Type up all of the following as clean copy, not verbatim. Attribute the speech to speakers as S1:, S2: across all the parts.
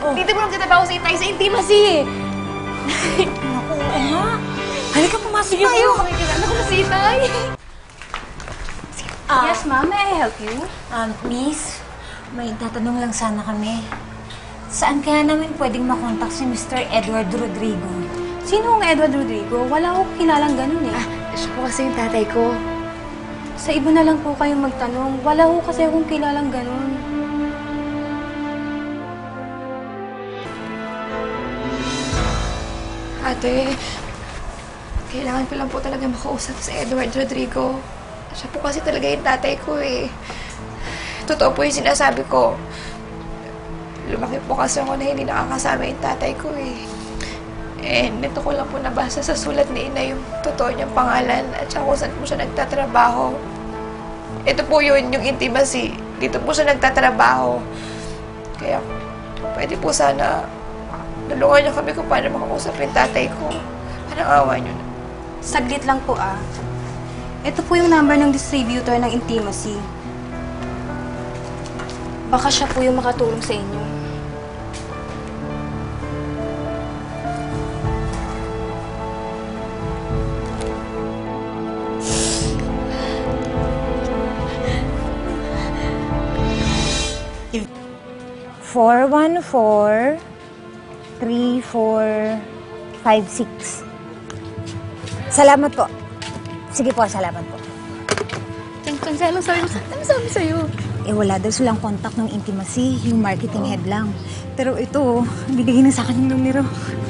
S1: Dito mo nagtatrabaho si Itay sa Intimacy.
S2: Naku, oo nga. Halika, pumasok
S1: Sige
S2: tayo.
S1: po, makikilala ko na si Itay. Yes, ma'am. May I help you?
S2: Miss, may tatanong lang sana kami. Saan kaya namin pwedeng makontak si Mr. Edward Rodrigo?
S1: Sino ang Edward Rodrigo? Wala akong kilalang ganun eh.
S3: Siya po kasi yung tatay ko.
S1: Sa iba na lang po kayong magtanong. Wala ko kasi akong kilalang ganun.
S3: Ate, kailangan ko lang po talaga makausap si Edward Rodrigo. Siya po kasi talaga yung tatay ko eh. Totoo po yung sinasabi ko. Lumaki po kasi ako na hindi nakakasama yung tatay ko eh. Nito ko lang po nabasa sa sulat ni Ina yung totoo niyang pangalan at saka kung saan po siya nagtatrabaho. Ito po yun, yung Intimacy. Dito po siya nagtatrabaho. Kaya, pwede po sana tulungan niyo kami kung paano makausap yung tatay ko. Parang awa niyo na.
S1: Saglit lang po Ito po yung number ng distributor ng Intimacy. Baka siya po yung makatulong sa inyo.
S2: If 414-3456. Salamat po. Sige po, salamat po.
S1: Ano sabi sa'yo?
S2: Wala daw silang contact ng Intimacy, yung marketing head lang. Pero ito, binigay na sa akin yung numero.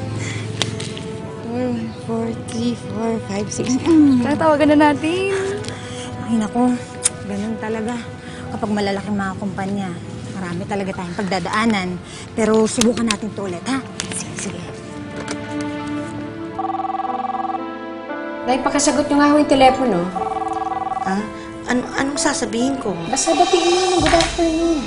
S3: 4, 3, 4, 5, 6.
S1: Tatawagan na natin.
S2: Ay naku, ganun talaga. Kapag malalaking mga kumpanya, marami talaga tayong pagdadaanan. Pero subukan natin to ulit, ha? Sige, sige.
S4: Dahil pakasagot nyo nga ho yung telepono.
S5: Anong sasabihin ko?
S4: Basta batiin mo ng good afternoon.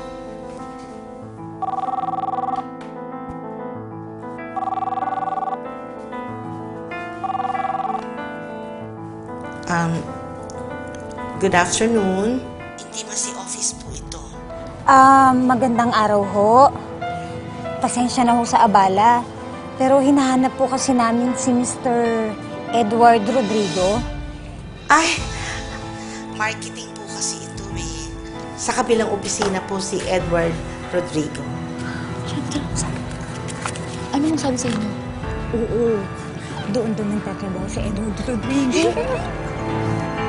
S5: Good afternoon. Intimacy office po ito.
S2: Magandang araw ho. Pasensya na ho sa abala. Pero hinahanap po kasi namin si Mr. Edward Rodrigo.
S5: Ay, marketing po kasi ito eh. Sa kabilang opisina po si Edward Rodrigo.
S3: Ano mong sabi sa inyo?
S2: Oo. Doon nagtatrabaho si Edward Rodrigo.